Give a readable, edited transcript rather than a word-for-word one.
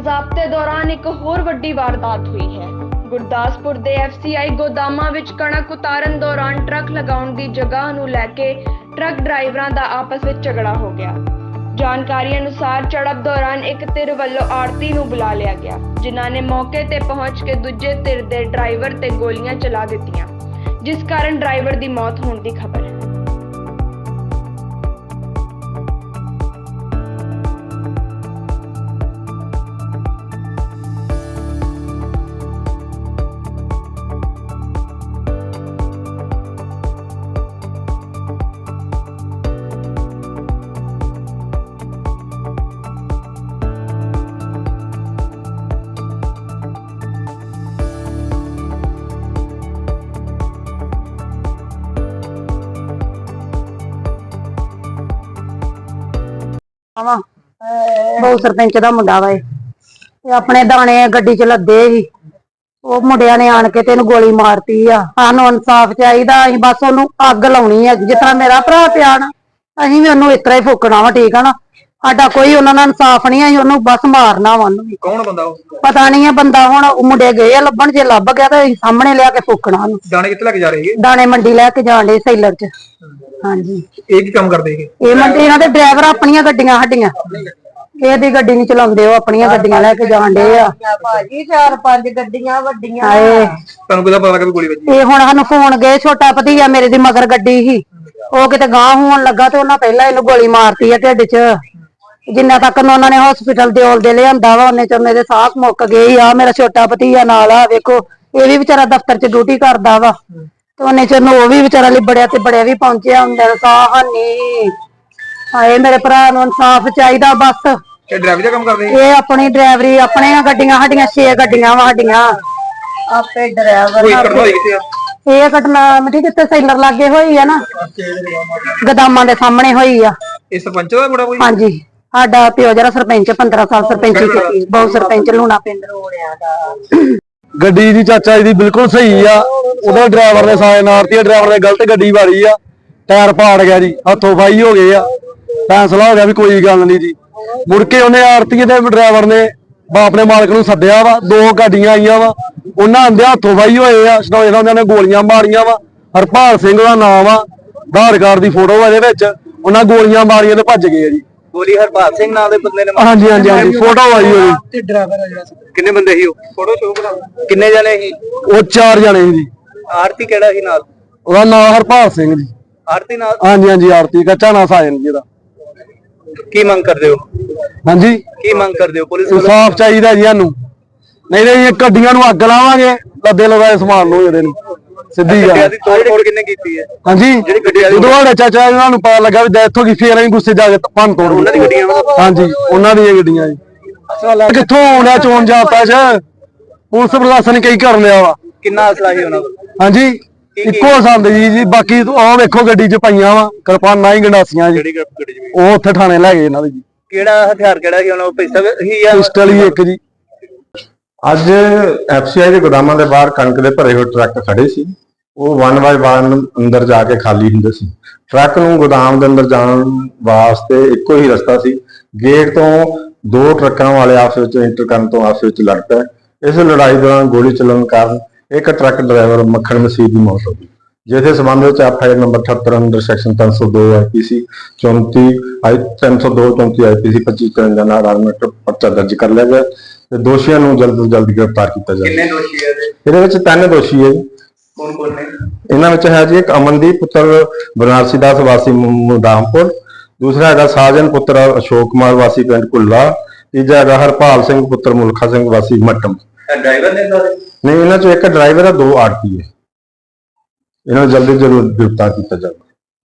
ਜ਼ਾਬਤੇ ਦੌਰਾਨ ਇੱਕ ਹੋਰ ਵੱਡੀ ਵਾਰਦਾਤ ਹੋਈ ਹੈ। ਗੁਰਦਾਸਪੁਰ ਦੇ FCI ਗੋਦਾਮਾਂ ਵਿੱਚ ਕਣਕ ਉਤਾਰਨ ਦੌਰਾਨ ਟਰੱਕ ਲਗਾਉਣ ਦੀ ਜਗ੍ਹਾ ਨੂੰ ਲੈ ਕੇ ਟਰੱਕ ਡਰਾਈਵਰਾਂ ਦਾ ਆਪਸ ਵਿੱਚ ਝਗੜਾ ਹੋ ਗਿਆ। ਜਾਣਕਾਰੀ ਅਨੁਸਾਰ ਝੜਪ ਦੌਰਾਨ ਇੱਕ ਧਿਰ ਵੱਲੋਂ ਆੜ੍ਹਤੀ ਨੂੰ ਬੁਲਾ ਲਿਆ ਗਿਆ, ਜਿਨ੍ਹਾਂ ਨੇ ਮੌਕੇ ਤੇ ਪਹੁੰਚ ਕੇ ਦੂਜੇ ਧਿਰ ਦੇ ਡਰਾਈਵਰ ਤੇ ਗੋਲੀਆਂ ਚਲਾ ਦਿੱਤੀਆਂ, ਜਿਸ ਕਾਰਨ ਡਰਾਈਵਰ ਦੀ ਮੌਤ ਹੋਣ ਦੀ ਖਬਰ ਹੈ। बहु सरपंच का मुंडा वा अपने दाने गड्डी च लदे ही मुंडिया ने आन के तेन गोली मारती आ। सानू इंसाफ चाहिए, बस ओनू अग लाउणी है जिस तरह मेरा भरा पिया ना, असीं भी ओनू इस तरह ही फूकना वा। ठीक है ना, साडा कोई उन्होंने इंसाफ नहीं, असीं ओनू बस मारना वा। कौन बंदा पता नहीं है बंदा, हुण मुंडे गए लभण, जे लभ गया तो सामने लिया के फूकना। दाने कित्थे लेके जा रहे हैं? दाने मंडी लैके जाण डे सैलर च। हाँ जी, एक ही काम करते हैं ये मंडी इन्हां दे ड्राइवर अपनियां गड्डियां साडियां ਇਹਦੀ ਗੱਡੀ ਨਹੀਂ ਚਲਾਉਂਦੇ, ਉਹ ਆਪਣੀਆਂ ਗੱਡੀਆਂ ਲੈ ਕੇ ਜਾਣ ਡੇ ਆ ਭਾਜੀ। 4-5 ਗੱਡੀਆਂ ਵੱਡੀਆਂ ਤੁਹਾਨੂੰ ਕਿਹਦਾ ਪਤਾ ਲੱਗਾ ਵੀ ਗੋਲੀ ਵੱਜੀ? ਇਹ ਹੁਣ ਸਾਨੂੰ ਫੋਨ ਗਏ, ਛੋਟਾ ਭਤੀਆ ਮੇਰੇ ਦੀ ਮਗਰ ਗੱਡੀ ਸੀ, ਉਹ ਕਿਤੇ ਗਾਂਹ ਹੋਣ ਲੱਗਾ ਤੇ ਉਹਨਾਂ ਪਹਿਲਾਂ ਇਹਨੂੰ ਗੋਲੀ ਮਾਰਤੀ ਆ ਢਿੱਡ 'ਚ। ਜਿੰਨਾ ਤੱਕ ਉਹਨਾਂ ਨੇ ਹਸਪੀਟਲ ਦੇ ਔਲਦੇ ਲਿਆਂਦਾ ਵਾ, ਉਹਨੇ ਚ ਮੇਰੇ ਸਾਹ ਮੁੱਕ ਗਏ ਆ। ਮੇਰਾ ਛੋਟਾ ਭਤੀਆ ਨਾਲ ਆ, ਵੇਖੋ ਇਹ ਵੀ ਵਿਚਾਰਾ ਦਫ਼ਤਰ 'ਚ ਡਿਊਟੀ ਕਰਦਾ ਵਾ, ਤੇ ਉਹਨੇ ਚ ਉਹ ਵੀ ਵਿਚਾਰਾ ਲਿਬੜਿਆ ਤੇ ਬੜਿਆ ਵੀ ਪਹੁੰਚਿਆ ਹੁੰਦਾ। ਸਾਹ ਹਾਨੀ ਹਾਏ, ਮੇਰੇ ਭਰਾ ਨੂੰ ਇਨਸਾਫ ਚਾਹੀਦਾ ਬਸ। ਇਹ ਡਰਾਈਵਰੀ ਦਾ ਕੰਮ ਕਰਦੇ ਇਹ ਆਪਣੀ ਡਰਾਈਵਰੀ, ਆਪਣੀਆਂ ਗੱਡੀਆਂ ਸਾਡੀਆਂ 6 ਗੱਡੀਆਂ ਵਾ ਸਾਡੀਆਂ, ਆਪੇ ਡਰਾਈਵਰ। ਕੋਈ ਘਟਨਾ ਹੋਈ ਕਿੱਥੇ ਆ? ਇਹ ਘਟਨਾ ਮਿੱਠੀ ਕਿਤੇ ਸੈਲਰ ਲਾਗੇ ਹੋਈ ਆ ਨਾ, ਗਦਾਮਾਂ ਦੇ ਸਾਹਮਣੇ ਹੋਈ ਆ। ਇਹ ਸਰਪੰਚ ਦਾ ਮੁੰਡਾ ਕੋਈ? ਹਾਂਜੀ, ਸਾਡਾ ਪਿਓ ਜਿਹੜਾ ਸਰਪੰਚ 15 ਸਾਲ ਸਰਪੰਚੀ ਕੀਤੀ, ਬਹੁਤ ਸਰਪੰਚ ਲੂਣਾ ਪਿੰਡ ਰੋੜਿਆ ਦਾ। ਗੱਡੀ ਦੀ ਚਾਚਾ ਜੀ ਦੀ ਬਿਲਕੁਲ ਸਹੀ ਆ, ਉਹਦਾ ਡਰਾਈਵਰ ਨੇ ਸਾਇਨ ਮਾਰਤੀ, ਡਰਾਈਵਰ ਨੇ ਗਲਤ ਗੱਡੀ ਵਾਰੀ ਆ, ਟਾਇਰ ਪਾੜ ਗਿਆ ਜੀ, ਹੱਥੋਂ ਫਾਈ ਹੋ ਗਏ ਆ। ਫੈਸਲਾ ਹੋ ਗਿਆ ਵੀ ਕੋਈ ਗੱਲ ਨਹੀਂ ਜੀ। ਮੁੜ ਕੇ ਉਹਨੇ ਆਰਤੀ ਦੇ ਡਰਾਈਵਰ ਨੇ ਆਪਣੇ ਮਾਲਕ ਨੂੰ ਸੱਦਿਆ ਵਾ, 2 ਗੱਡੀਆਂ ਆਈਆਂ ਵਾ, ਉਹਨਾਂ ਆਂਦੇ ਹੱਥੋਂ ਫਾਈ ਹੋਏ ਆ, ਸਟੋਏ ਉਹਨਾਂ ਨੇ ਗੋਲੀਆਂ ਮਾਰੀਆਂ ਵਾ। ਹਰਪਾਲ ਸਿੰਘ ਦਾ ਨਾਮ ਆ, ਆਧਾਰ ਕਾਰਡ ਦੀ ਫੋਟੋ ਇਹਦੇ ਵਿੱਚ, ਉਹਨਾਂ ਗੋਲੀਆਂ ਮਾਰੀਆਂ ਤੇ ਭੱਜ ਗਏ ਆ ਜੀ। ਗੋਲੀ ਹਰਪਾਲ ਸਿੰਘ ਨਾਮ ਦੇ ਬੰਦੇ ਨੇ? ਹਾਂਜੀ ਹਾਂਜੀ ਹਾਂਜੀ, ਫੋਟੋ ਆਈ ਹੋਈ ਤੇ ਡਰਾਈਵਰ ਆ ਜਿਹੜਾ, ਕਿੰਨੇ ਬੰਦੇ ਸੀ ਉਹ? ਫੋਟੋ ਸ਼ੋ ਕਰਾ। ਕਿੰਨੇ ਜਣੇ ਸੀ ਉਹ? 4 ਜਣੇ ਸੀ ਜੀ। ਆਰਤੀ ਕਿਹੜਾ ਸੀ ਨਾਲ? ਉਹਦਾ ਨਾਮ ਹਰਪਾਲ ਸਿੰਘ ਜੀ। ਆਰਤੀ ਨਾਲ? ਹਾਂਜੀ ਹਾਂਜੀ, ਆਰਤੀ ਕੱਚਾ ਨਾ ਸਾਜਨ ਜੀ ਦਾ। ਕੀ ਮੰਗ ਕਰਦੇ ਹੋ? ਹਾਂਜੀ, ਕੀ ਮੰਗ ਕਰਦੇ ਹੋ? ਪੁਲਿਸ ਇਨਸਾਫ ਚਾਹੀਦਾ ਜੀ ਸਾਨੂੰ, ਨਹੀਂ ਨਹੀਂ ਇਹ ਗੱਡੀਆਂ ਨੂੰ ਅੱਗ ਲਾਵਾਂਗੇ, ਲੱਦੇ ਲਗਾਏ ਸਮਾਨ ਨੂੰ ਇਹਦੇ ਨੂੰ ਸਿੱਧੀ ਗੱਲ। ਦੀ ਤੋੜ ਕਿੰਨੇ ਕੀਤੀ ਹੈ? ਹਾਂਜੀ, ਜਦੋਂ ਸਾਡੇ ਚਾਚਾ ਇਹਨਾਂ ਨੂੰ ਪਤਾ ਲੱਗਾ ਵੀ ਡੈਥ ਹੋ ਗਈ, ਫੇਰ ਅਸੀਂ ਗੁੱਸੇ ਜਾ ਕੇ ਭੰਨ ਤੋੜ ਉਹਨਾਂ ਦੀ ਗੱਡੀਆਂ? ਹਾਂਜੀ, ਉਹਨਾਂ ਦੀਆਂ ਗੱਡੀਆਂ ਜੀ। ਕਿੱਥੋਂ ਆਉਣਾ ਚੋਣ ਜਾਪਾ ਚ, ਪੁਲਿਸ ਪ੍ਰਸ਼ਾਸਨ ਕਈ ਕਰ ਲਿਆ ਵਾ। ਕਿੰਨਾ ਅਸਲਾ ਸੀ ਉਹਨਾਂ ਕੋਲ? ਹਾਂਜੀ, ਇੱਕੋ ਸੰਦ ਜੀ। ਬਾਕੀ ਆਹ ਵੇਖੋ ਗੱਡੀ ਚ ਪਈਆਂ ਵਾ ਕਿਰਪਾਨਾਂ ਹੀ ਗੰਡਾਸੀਆਂ ਜੀ, ਉਹ ਉੱਥੇ ਥਾਣੇ ਲੈ ਗਏ ਇਹਨਾਂ ਦੇ ਜੀ। ਕਿਹੜਾ ਹਥਿਆਰ ਕਿਹੜਾ ਸੀ ਉਹਨਾਂ ਕੋਲ? ਪਿਸਟਲ ਹੀ ਆ? ਪਿਸਟਲ ਹੀ ਇੱਕ ਜੀ। ਅੱਜ FCI ਦੇ ਗੋਦਾਮਾਂ ਦੇ ਬਾਹਰ ਕਣਕ ਦੇ ਭਰੇ ਹੋਏ ਟਰੱਕ ਖੜੇ ਸੀ, ਉਹ 1 ਬਾਏ 1 ਅੰਦਰ ਜਾ ਕੇ ਖਾਲੀ ਹੁੰਦੇ ਸੀ। ਟਰੱਕ ਨੂੰ ਗੋਦਾਮ ਦੇ ਅੰਦਰ ਜਾਣ ਵਾਸਤੇ ਇੱਕੋ ਹੀ ਰਸਤਾ ਸੀ, ਗੇਟ ਤੋਂ 2 ਟਰੱਕਾਂ ਵਾਲੇ ਆਪਸ ਵਿੱਚ ਇੰਟਰ ਕਰਨ ਤੋਂ ਆਪਸ ਵਿੱਚ ਲੜ ਪਏ। ਇਸ ਲੜਾਈ ਦੌਰਾਨ ਗੋਲੀ ਚੱਲਣ ਕਾਰਨ ਇੱਕ ਟਰੱਕ ਡਰਾਈਵਰ ਮੱਖਣ ਮਸੀਹ ਦੀ ਮੌਤ ਹੋ ਗਈ, ਜਿਸ ਦੇ ਸੰਬੰਧ ਵਿੱਚ FIR ਨੰਬਰ 78 ਅੰਦਰ ਸੈਕਸ਼ਨ 302 IPC 34 302 34 IPC 2553 ਨਾਲ ਆਰਮਟ ਪਰਚਾ ਦਰਜ ਕਰ ਲਿਆ ਗਿਆ ਤੇ ਦੋਸ਼ੀਆਂ ਨੂੰ ਜਲਦ ਤੋਂ ਜਲਦ ਗ੍ਰਿਫਤਾਰ ਕੀਤਾ ਜਾਵੇ। ਕਿੰਨੇ ਦੋਸ਼ੀ ਹੈ ਇਹਦੇ ਵਿੱਚ 3 ਦੋਸ਼ੀ ਹੈ ਜੀ। ਕੌਣ ਕੌਣ ਨੇ? ਇਹਨਾਂ ਵਿੱਚ ਹੈ ਜੀ ਇੱਕ ਅਮਨਦੀਪ ਪੁੱਤਰ ਬਨਾਰਸੀ ਦਾਸ ਵਾਸੀ ਮੁਦਾਮਪੁਰ, ਦੂਸਰਾ ਹੈਗਾ ਸਾਜਨ ਪੁੱਤਰ ਅਸ਼ੋਕ ਕੁਮਾਰ ਵਾਸੀ ਪਿੰਡ ਕੁੱਲਾ, ਤੀਜਾ ਹੈਗਾ ਹਰਪਾਲ ਸਿੰਘ ਪੁੱਤਰ ਮੁਲਖਾ ਸਿੰਘ ਵਾਸੀ ਮੱਟਮ। ਡਰਾਈਵਰ ਨੇ ਨਹੀਂ, ਇਹਨਾਂ ਚੋਂ ਇੱਕ ਡਰਾਈਵਰ ਹੈ, 2 ਆੜਤੀ ਹੈ। ਇਹਨਾਂ ਨੂੰ ਜਲਦੀ ਜਲਦ ਗ੍ਰਿਫਤਾਰ ਕੀਤਾ ਜਾਵੇ।